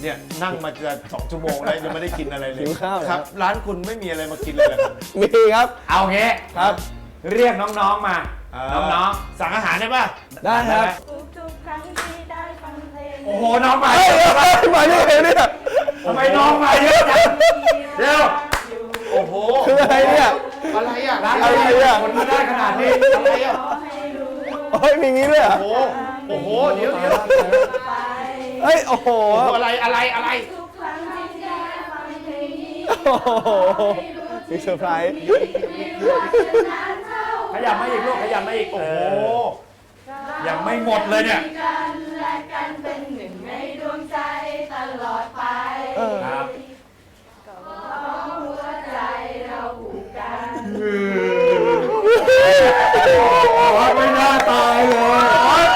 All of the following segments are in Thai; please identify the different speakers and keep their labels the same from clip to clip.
Speaker 1: เนี่ยนั่งมาจะ2 ชั่วโมงแล้วยังไม่ได้กินอะไรเลย
Speaker 2: หิวข้าว
Speaker 1: ครับ ร้านคุณไม่มีอะไรมากินเลยเหรอครับ
Speaker 2: มีครับ
Speaker 3: เอางี้
Speaker 2: ครับ
Speaker 3: เรียกน้องๆมา น้อง
Speaker 1: สั่งอาหารได้ป่ะ
Speaker 2: ได้ครับ
Speaker 4: ทุกๆครั้งที่ได้ฟังเพลง
Speaker 3: ๆโอ้โหน้องมา
Speaker 2: เฮ้ยเฮ้ยมาได้ไงเนี่ย
Speaker 3: ทำไมน้องมาเยอะจังเดี๋ยว
Speaker 1: โอ้โห
Speaker 2: คืออะไรเนี่ย
Speaker 1: อะไรอ่ะ
Speaker 3: ร้าน
Speaker 2: อะไรอ่ะ
Speaker 3: คนมาได้ขนาดนี้
Speaker 1: อะไรอ่ะ
Speaker 2: เฮ้ยมีงี้ด้วยเหรอ
Speaker 1: โอ้โหโอ้โหเดี๋ยว
Speaker 2: เฮ้ยโอ้โห
Speaker 1: อะไร
Speaker 4: ทุกครั้งที่ได้ฟังเพลงนี้
Speaker 2: โอ้โหมีเซอร์ไพรส์
Speaker 4: นานเท่า
Speaker 3: ขยับมาอีกลูกขยับมาอีก
Speaker 1: โอ้โห
Speaker 3: ยังไม่หมดเลยเนี่ย
Speaker 4: กันและกันเป็นหนึ่งในดวงใจตลอดไป
Speaker 3: ครับ
Speaker 4: หัวใจเราผูกกัน
Speaker 3: ไม่น่าตายเลย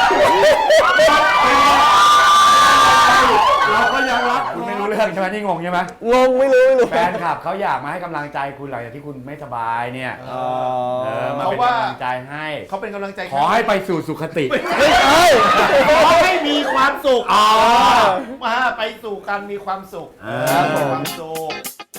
Speaker 3: เราก็ยังรักคุณไม่รู้เรื่องใช่ไหมนี่งงใช่ไหม
Speaker 2: งงไม่รู้
Speaker 3: แฟนคลับเขาอยากมาให้กำลังใจคุณหลังจากที่คุณไม่สบายเนี่ย
Speaker 2: อ๋อ
Speaker 3: มาเป็นกำลังใจให้
Speaker 1: เขาเป็นกำลังใจ
Speaker 3: ขอให้ไปสู่สุคติ
Speaker 2: เฮ้ย
Speaker 1: ขอให้มีความสุข
Speaker 3: อ๋อ
Speaker 1: มาไปสู่การมีความสุข
Speaker 3: ครับ
Speaker 1: มีความสุข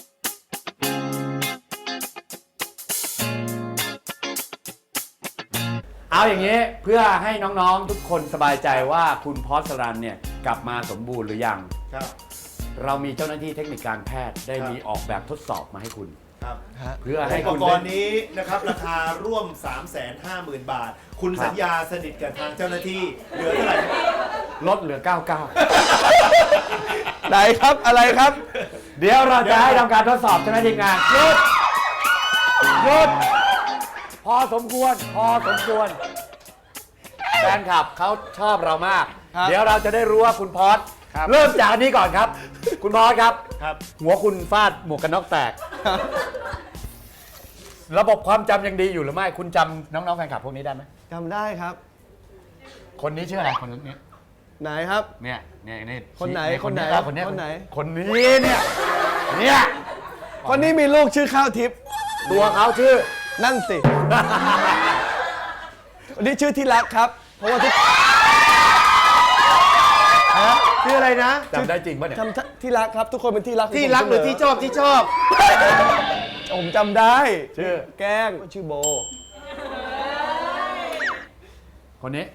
Speaker 3: เอาอย่างนี้เพื่อให้น้องๆทุกคนสบายใจว่าคุณพอสรันเนี่ยกลับมาสมบูรณ์หรือยัง
Speaker 1: ครับ
Speaker 3: เรามีเจ้าหน้าที่เทคนิคการแพทย์ได้
Speaker 1: ครับ
Speaker 3: มีออกแบบทดสอบมาให้คุณ
Speaker 1: ครับ
Speaker 3: เพื่อให้
Speaker 1: อุป
Speaker 3: คุณ
Speaker 1: ก
Speaker 3: ได้
Speaker 1: รณ์นี้นะครับราคาร่วม 350,000 บาท คุณ
Speaker 3: ครับ
Speaker 1: สัญญาสนิทกับทางเจ้าหน้าที่เหลือเท่าไหร่
Speaker 3: ลดเหลือ 99
Speaker 2: ไหนครับอะไรครับ
Speaker 3: เดี๋ยวเราจะให้ทำการทดสอบเจ้าหน้าที่งานหยุดหยุดพอสมควรแฟนคลับเขาชอบเรามาก
Speaker 2: ครับ
Speaker 3: เดี๋ยวเราจะได้รู้ว่าคุณพอสเริ่มจากอันนี้ก่อนครับ คุณพอสครับ
Speaker 1: ครับ
Speaker 3: หัวคุณฟาดหมวกกันน็อกแตก ระบบความจำยังดีอยู่หรือไม่ คุณจำน้องๆแฟนคลับพวกนี้ได้ไหม
Speaker 2: จำได้ครับ
Speaker 3: คนนี้ชื่ออะไรคนนี้
Speaker 2: ไหนครับ
Speaker 3: เนี่ยนี่
Speaker 2: คนไหน
Speaker 3: คนนี้
Speaker 2: คนไหน
Speaker 3: คนนี้เนี่ยเนี่ย
Speaker 2: คนนี้มีลูกชื่อข้าวทิพย์
Speaker 3: ตัวเขาชื่อ
Speaker 2: นั่นสิ คนนี้ชื่อที่รักครับ เพราะว่าทุก
Speaker 1: ชื่ออะไรนะ
Speaker 3: จำได้จริงป่ะเนี่ย
Speaker 2: จำที่รักครับ ทุกคนเป็นที่รัก
Speaker 1: ที่รักหรือที่ชอบที่ชอบ
Speaker 2: ผมจำได้
Speaker 3: ชื่อ
Speaker 2: แกล้งชื่อโบ
Speaker 3: คนนี้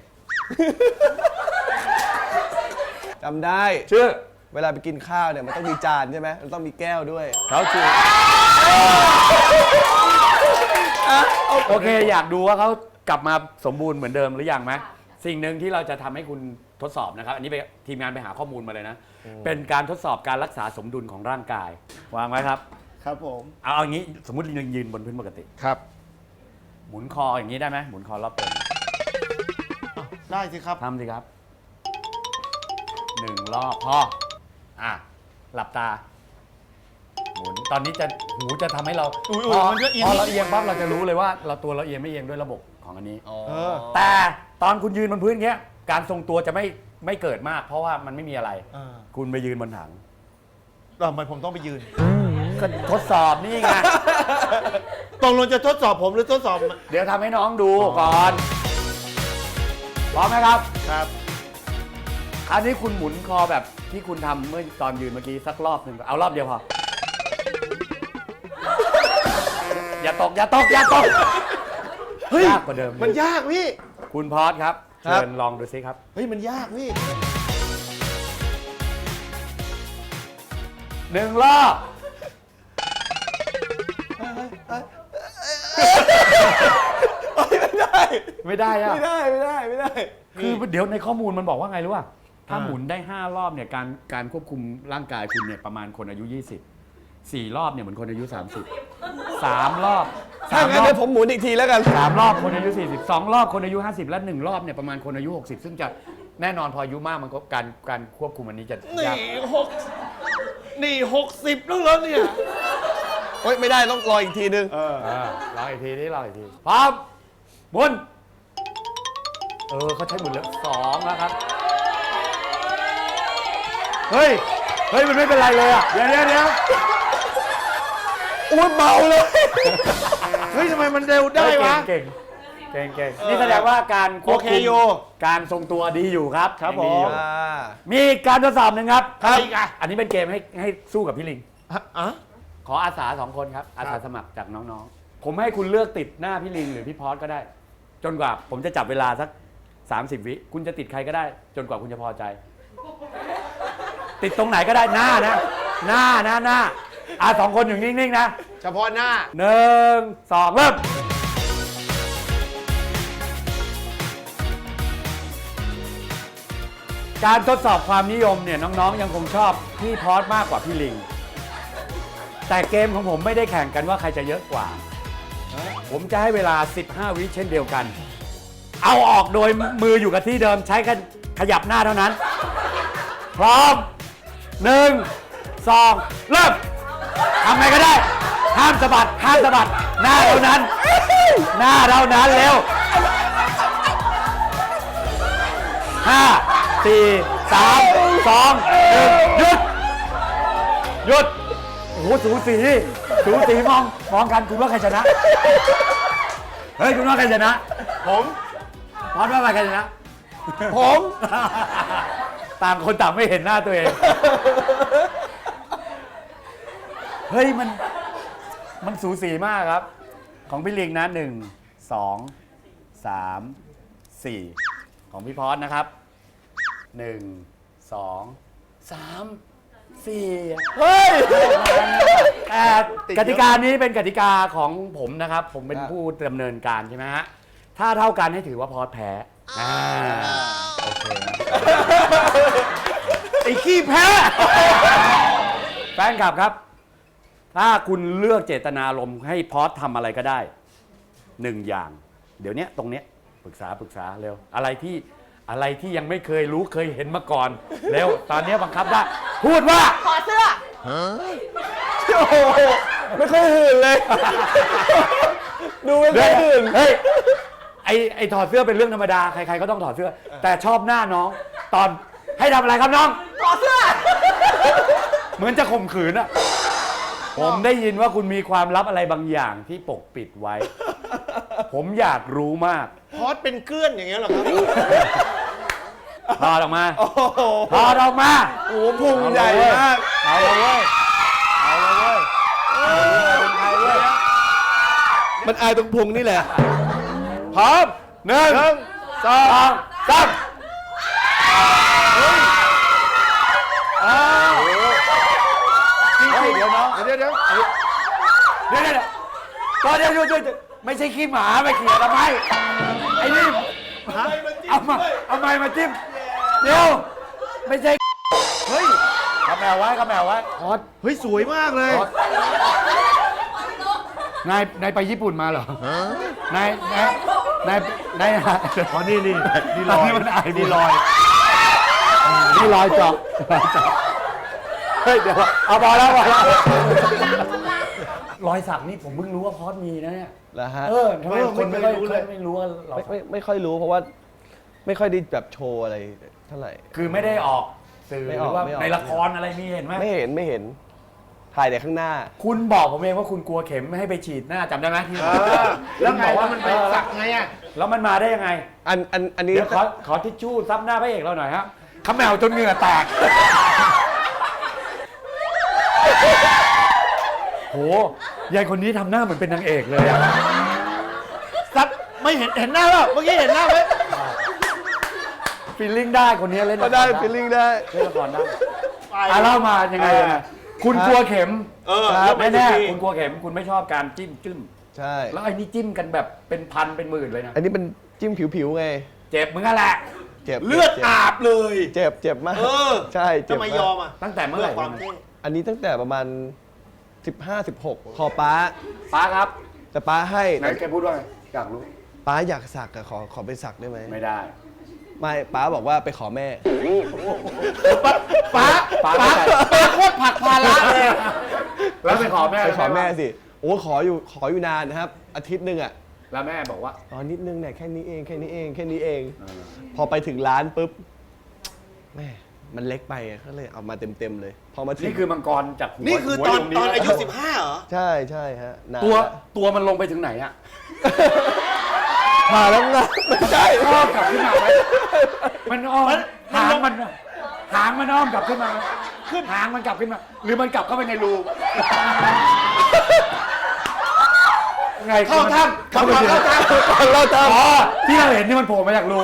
Speaker 2: จำได้
Speaker 3: ชื่อ
Speaker 2: เวลาไปกินข้าวเนี่ยมันต้องมีจานใช่ไหมมันต้องมีแก้วด้วย
Speaker 3: เขาชื่อโอเค อยากดูว่าเขากลับมาสมบูรณ์เหมือนเดิมหรือยังไหมสิ่งหนึ่งที่เราจะทำให้คุณทดสอบนะครับ อันนี้ไปทีมงานไปหาข้อมูลมาเลยนะ เป็นการทดสอบการรักษาสมดุลของร่างกาย วางไว้ครับ
Speaker 1: ครับผม
Speaker 3: เอาอย่างนี้สมมติยืนบนพื้นปกติ
Speaker 1: ครับ
Speaker 3: หมุนคออย่างนี้ได้ไหมหมุนคอรอบตัว
Speaker 1: ได้สิครับ
Speaker 3: ทำสิครับ1 รอบพอหลับตา หมุนตอนนี้จะหูจะทำให้เรา
Speaker 1: อุ๊ย
Speaker 3: พอ
Speaker 1: มันก็เอียง
Speaker 3: พอเราเอียงปั๊บเราจะรู้เลยว่าเราตัวเราเอียงไม่เอียงด้วยระบบของอันนี้
Speaker 2: เออ
Speaker 3: แต่ตอนคุณยืนบนพื้นเงี้ยการทรงตัวจะไม่เกิดมาก เพราะว่ามันไม่มีอะไร คุณไปยืนบนถัง
Speaker 1: ทำไมผมต้องไปยืน
Speaker 3: ก็ทดสอบนี่ไง
Speaker 1: ตกลงจะทดสอบผมหรือทดสอบ
Speaker 3: เดี๋ยวทำให้น้องดูก่อนพร้อมไหมครับ
Speaker 1: ครับ
Speaker 3: อันนี้คุณหมุนคอแบบที่คุณทำเมื่อตอนยืนเมื่อกี้สักรอบหนึ่งเอารอบเดียวพอ อย่าตกยากกว่าเดิม
Speaker 1: มันยากพี่
Speaker 3: คุณพอสครับ
Speaker 2: ครับ
Speaker 3: เชิญลองดูซิครับ
Speaker 1: เฮ้ยมันยากพี่
Speaker 3: 1 รอบ ไม่ได้อะ
Speaker 2: ไม่ได้
Speaker 3: คือเดี๋ยวในข้อมูลมันบอกว่าไงรู้ป่ะถ้าหมุนได้ 5 รอบเนี่ยการควบคุมร่างกายคุณเนี่ยประมาณคนอายุ 20 4 รอบเนี่ยเหมือนคนอายุ 30 3 รอบ
Speaker 2: ถ้างั้นเดี๋ยวผมหมุนอีกทีแล้วกัน
Speaker 3: 3 รอบคนอายุ 40 2 รอบคนอายุ 50 และ 1 รอบเนี่ยประมาณคนอายุ 60 ซึ่งจะแน่นอนพออายุมากมันก็การควบคุมอันนี้จะยาก
Speaker 1: นี่60แล้วเหรอเนี่ย
Speaker 2: เฮ้ยไม่ได้ต้องรออีกทีนึง
Speaker 3: รออีกทีนี่รออีกทีพร้อมหมุนเขาใช้หมุนแล้ว2แล้วครับเฮ้ยมันไม่เป็นไรเลยอ่ะ
Speaker 1: เดี๋ยว
Speaker 2: อุ้ยเบาเลย
Speaker 1: เฮ้ยทำไมมันเร็วได้วะ
Speaker 3: เก่งเก่งนี่แสดงว่าการควบ
Speaker 1: โอเค
Speaker 3: คุม
Speaker 1: อยู่
Speaker 3: การทรงตัวดีอยู่ครับ
Speaker 1: ครับ
Speaker 3: ยังดีอยู่
Speaker 1: ผม
Speaker 3: มีการทดสอบหนึ่งครับ
Speaker 1: ครับอีกอ่ะ
Speaker 3: อันนี้เป็นเกมให้สู้กับพี่ลิง
Speaker 1: อ่ะ
Speaker 3: ขออาสา2 คนครับอาสาสมัครจากน้องๆ ผมให้คุณเลือกติดหน้าพี่ลิงหรือพี่พอสก็ได้ จนกว่าผมจะจับเวลาสัก30 วิคุณจะติดใครก็ได้ จนกว่าคุณจะพอใจ ติดตรงไหนก็ได้หน้านะหน้า2 คนอยู่นิ่งๆนะ
Speaker 1: เฉพาะหน้า
Speaker 3: 1 2 เริ่มการทดสอบความนิยมเนี่ยน้องๆยังคงชอบพี่พอสมากกว่าพี่ลิง แต่เกมของผมไม่ได้แข่งกันว่าใครจะเยอะกว่า ผมจะให้เวลา 15 วิเช่นเดียวกัน เอาออกโดยมืออยู่กับที่เดิมใช้กันขยับหน้าเท่านั้น พร้อม 1 2 เริ่มทำไงก็ได้ ห้ามสะบัดหน้าเท่านั้น หน้าเท่านั้นเร็ว 5 4 3 2 1 หยุด โอ้โหสูสีมองกันคุณว่าใครชนะ เฮ้ยคุณว่าใครชนะ
Speaker 1: ผม
Speaker 3: พอดว่าใครชนะ
Speaker 1: ผม
Speaker 3: ต่างคนต่างไม่เห็นหน้าตัวเอง เฮ้ยมันสูสีมากครับ ของพี่ลิงนะ1 2 3 4 ของพี่พอดนะครับ1 2 3 4
Speaker 2: เฮ้ย
Speaker 3: แต่กติกานี้เป็นกติกาของผมนะครับ ผมเป็นผู้ดำเนินการใช่ไหมฮะ ถ้าเท่ากันให้ถือว่าพอดแพ้โอเคนะ
Speaker 1: ไอ้ขี้แพ้
Speaker 3: แฟนคลับครับ ถ้าคุณเลือกเจตนารมณ์ให้พอดทำอะไรก็ได้1 อย่าง เดี๋ยวนี้ตรงเนี้ยปรึกษาเร็ว อะไรที่ยังไม่เคยรู้เคยเห็นมาก่อนเร็วตอนนี้บังคับได้ พูดว่า
Speaker 4: ขอเสื้อ
Speaker 2: โอ้โหไม่ค่อยหื่นเลย ดูไม่ค่อยหื่น
Speaker 3: เฮ้ยไอถอดเสื้อเป็นเรื่องธรรมดาใครๆก็ต้องถอดเสื้อ แต่ชอบหน้าน้อง ตอนให้ทำอะไรครับน้อง
Speaker 4: ขอเสื้อ
Speaker 3: เหมือนจะข่มขืนอะผมได้ยินว่าคุณมีความลับอะไรบางอย่างที่ปกปิดไว้ ผมอยากรู้มาก
Speaker 1: พอดเป็นเกลื่อนอย่างเงี้ยเหรอครับ
Speaker 3: ถอดออกมา
Speaker 2: โอ้โห
Speaker 3: ถอดออกมา
Speaker 2: โอ้โหพุงใหญ่มาก
Speaker 3: เอาเลยเว้ย
Speaker 2: เป็นใครเว้ยมันอายตรงพุงนี่แหละ
Speaker 3: พร้อม1 2 3เดี๋ยวน้อง
Speaker 1: เดี๋ยว
Speaker 3: เดี๋ยวหยุดไม่ใช่ขี้หมาไปเขี่ยทำไมไอ้นี่เอาไม้มาจิ้มเดี๋ยวไม่ใช่เฮ้ยกระแมวไว้พอด
Speaker 1: เฮ้ยสวยมากเลย
Speaker 3: นายไปญี่ปุ่นมาเหรอนายอ๋อนี่ลอยมันอายนี่ลอยเจาะเฮ้ยเดี๋ยวเอาพอแล้วรอยสักนี่ผมเพิ่งรู้ว่าพอดมีนะเนี่ย
Speaker 2: แล้วฮะ
Speaker 3: ทำไมคนไม่ค่อยรู้เลยไม่รู้ว่าเรา
Speaker 2: ไม่ค่อยรู้เพราะว่าไม่ค่อยได้แบบโชว์อะไรเท่าไหร่
Speaker 3: คือไม่ได้ออกสื่อ
Speaker 2: ไม่
Speaker 3: ห
Speaker 2: อ
Speaker 3: รือ อก ว่า
Speaker 2: ไม่ออก
Speaker 3: ในละครอะไรมีเห็นไหม
Speaker 2: ไม่เห็นถ่ายแต่ข้างหน้า
Speaker 3: คุณบอกผมเองว่าคุณกลัวเข็มไม่ให้ไปฉีดหน้าจำได้ไหมที่
Speaker 1: แล้วไง
Speaker 3: บอกว่า
Speaker 1: มันไปสักไงอ่ะ
Speaker 3: แล้วมันมาได้ยังไง
Speaker 2: อันนี้
Speaker 3: เดี๋ยวขอทิชชู่ซับหน้าพระเอกเราหน่อยครับขมแมวจนเหงื่อแตกโหยายคนนี้ทำหน้าเหมือนเป็นนางเอกเลยอะ
Speaker 1: ซับไม่เห็นหน้าเปล่าเมื่อกี้เห็นหน้าไหม
Speaker 3: ฟีลลิ่งได้คนนี้เล่น
Speaker 2: ก็ได้ฟีลลิ่งได้
Speaker 3: เล่นละครได้เล่ามายังไงคุณกลัวเข็ม
Speaker 2: ครับ
Speaker 3: แน่ๆคุณกลัวเข็มคุณไม่ชอบการจิ้ม
Speaker 2: ใช่
Speaker 3: แล้วไอ้นี่จิ้มกันแบบเป็นพันเป็นหมื่นเลยนะ
Speaker 2: อันนี้เป็นจิ้มผิวๆไง
Speaker 3: เจ็บเหมือนกันแหละ
Speaker 2: เจ็บ
Speaker 1: เลือดอาบเลย
Speaker 2: เจ็บมาก ใช่เจ็บ
Speaker 1: ทำไม
Speaker 2: มาก
Speaker 1: ยอมอ่ะ
Speaker 3: ตั้งแต่เมื่อไหร่
Speaker 1: พื่ความเท่
Speaker 2: อันนี้ตั้งแต่ประมาณ 15-16 ขอป้า
Speaker 3: ป้าครับ
Speaker 2: แต่ป้าให้
Speaker 3: ไหนแกพูดว่าไงอยากรู้
Speaker 2: ป้าอยากสักอะขอไปสักได้ไหม
Speaker 3: ไม่ได้
Speaker 2: ไม่ป้าบอกว่าไปขอแม่
Speaker 1: ป้าโคตรผักภาระเลย
Speaker 3: แล้วไปขอแม่
Speaker 2: ไปขอแม่สิโอ้ขออยู่นานนะครับ อาทิตย์หนึ่งอะ
Speaker 3: แล้วแม่บอกว่า
Speaker 2: อ๋อนิดนึงเนี่ยแค่นี้เองพอไปถึงร้านปุ๊บแม่มันเล็กไปอะก็เลยเอามาเต็มเลย พอมาถึง
Speaker 3: นี่คือมังกรจากหัว
Speaker 1: นี่คือ
Speaker 3: หัว
Speaker 1: ตอน
Speaker 3: ยู่
Speaker 1: อายุ
Speaker 3: แล้ว
Speaker 1: 15เหรอ
Speaker 2: ใช่ฮะนาน
Speaker 3: ตัว
Speaker 2: ละ
Speaker 3: ตัวมันลงไปถึงไหนอะ
Speaker 2: ผ่าแล้วนะไม่ใช่
Speaker 3: อ้อมกลับขึ้นมาไหมมันอ้อมหางมันอ้อมกลับขึ้นมาไหมหางมันกลับขึ้นมา หรือมันกลับเข้าไปในรูไง
Speaker 1: เข้าถ้ำเข้าถ้ำ
Speaker 2: เราท
Speaker 3: อ๋อที่เราเห็นนี่มันโผล่มาจากรู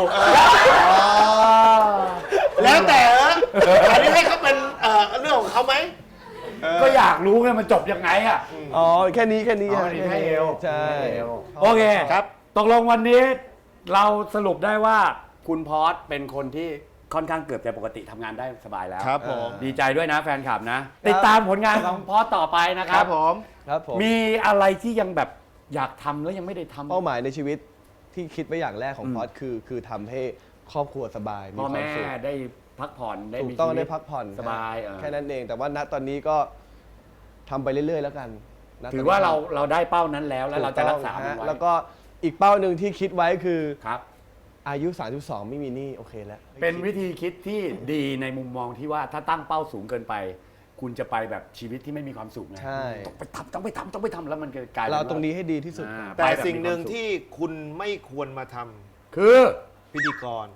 Speaker 1: แล้วแต่อันนี้ให้เขาเป็นเรื่องของเขาไหม
Speaker 3: ก็อยากรู้ไงมันจบยังไงอ่ะ
Speaker 2: ำอ๋อแค่นี้
Speaker 3: อ๋อนี่แค่เอว
Speaker 2: ใช่
Speaker 3: โอเค
Speaker 1: ครับ
Speaker 3: ตกลงวันนี้เราสรุปได้ว่าคุณพอสเป็นคนที่ค่อนข้างเกือบจะปกติทำงานได้สบายแล้ว
Speaker 1: ครับผม
Speaker 3: ดีใจด้วยนะแฟนคลับนะ ติดตามผลงานของพอสต่อไปนะค
Speaker 1: ค
Speaker 3: รั
Speaker 1: รับ บผม
Speaker 2: ครับผม
Speaker 3: มีอะไรที่ยังแบบอยากทำแล้วยังไม่ได้ทำ
Speaker 2: เป้าหมายในชีวิตที่คิดไว้อย่างแรกของพอดคือทำให้ครอบครัวสบายมี
Speaker 3: พ่อ
Speaker 2: ควา
Speaker 3: แม่
Speaker 2: มสุข
Speaker 3: ได้พักผ่อนได้
Speaker 2: ถู
Speaker 3: มี
Speaker 2: กต้อง
Speaker 3: ชีวิ
Speaker 2: ได้พักผ่อน
Speaker 3: สบาย
Speaker 2: แค่นั้นเอง แต่ว่าณตอนนี้ก็ทำไปเรื่อยๆแล้วกันณ
Speaker 3: ถือว่าเราได้เป้านั้นแล้วแล้วเราจะรักษามัน
Speaker 2: ถูต้อง
Speaker 3: ไว้
Speaker 2: แล้วก็อีกเป้าหนึ่งที่คิดไว้คือ
Speaker 3: ครับ
Speaker 2: อายุ 32 ไม่มีหนี้โอเคแล้ว
Speaker 3: เป็นวิธีคิดที่ดีในมุมมองที่ว่าถ้าตั้งเป้าสูงเกินไป คุณจะไปแบบชีวิตที่ไม่มีความสุขไง
Speaker 2: ใช่
Speaker 3: ต้องไปทำแล้วมันจะกลายเป็น
Speaker 2: เรา
Speaker 3: ว่
Speaker 2: ตรงนี้ให้ดีที่สุด
Speaker 3: อ่า
Speaker 1: แต่
Speaker 3: ไปบบ
Speaker 1: สิ่งหนึ่ง
Speaker 3: มีความสุข
Speaker 1: ที่คุณไม่ควรมาทำ
Speaker 3: คือ
Speaker 1: พิธีกร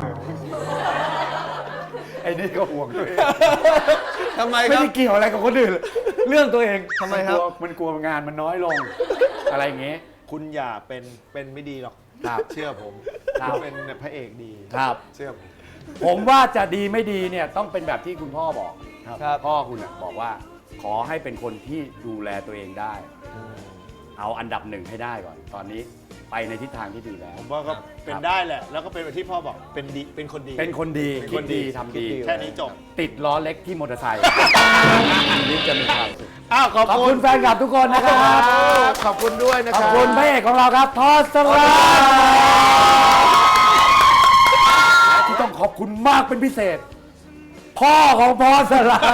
Speaker 3: ไอ้นี่ก็ห่วงตัวเอง
Speaker 2: ทำไม
Speaker 3: ไม่
Speaker 2: ครับ
Speaker 3: ได้เกี่ยวอะไรกับคนอื่นเรื่องตัวเอง
Speaker 2: ทำไมครับ
Speaker 3: มันกลัวงานมันน้อยลง อะไรอย่างเงี้ย
Speaker 1: คุณอย่าเป็นไม่ดีหรอก
Speaker 3: ครับ
Speaker 1: เชื่อผม
Speaker 3: ครับ
Speaker 1: คุณเป็นพระเอกดี
Speaker 3: ครับ
Speaker 1: เชื่อผม
Speaker 3: ผมว่าจะดีไม่ดีเนี่ยต้องเป็นแบบที่คุณพ่อบอก
Speaker 2: ครับ
Speaker 3: พ่อคุณน่ะบอกว่าขอให้เป็นคนที่ดูแลตัวเองได้ เอาอันดับหนึ่งให้ได้ก่อน ตอนนี้ไปในทิศทางที่ดีแล้ว
Speaker 1: ผมว่าก็เป็นได้แหละ แล้วก็เป็นแบบที่พ่อบอกเป็นดีเป็นคนดี
Speaker 3: เป็นคนดี
Speaker 1: เป็น
Speaker 3: คิ
Speaker 1: ค
Speaker 3: ด
Speaker 1: น
Speaker 3: ดี
Speaker 1: ดี
Speaker 3: ทำดี
Speaker 1: แค่นี้จบ
Speaker 3: ติดล้อเล็กที่มอเตอร์ไซค์นี่จะมีความสุข
Speaker 1: อ้าวขอบ
Speaker 3: ขอบ
Speaker 1: คุ
Speaker 3: คุณ ณแฟนคลับทุกคนนะครับ
Speaker 1: ขอบคุณด้วยนะ
Speaker 3: ข
Speaker 1: ค
Speaker 3: อบ
Speaker 1: รับ
Speaker 3: คุณพระเอกของเราครับทอสลาและที่ต้องขอบคุณมากเป็นพิเศษ พ่อของพอสลา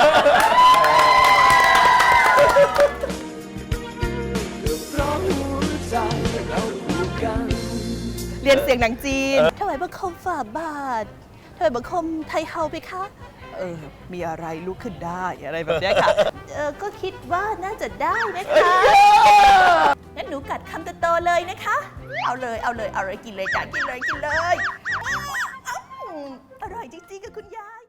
Speaker 5: เรียนเสียงหนังจีนถวายบังคมฝ่าบาทถวายบังคมไทยเฮาไปคะ มีอะไรลุกขึ้นได้อะไรแบบเนี้ยค่ะ ก็คิดว่าน่าจะได้นะคะ งั้นหนูกัดคำโตๆเลยนะคะ เอาเลยกินเลยจ้ะกินเลยอร่อยจริงๆกับคุณยาย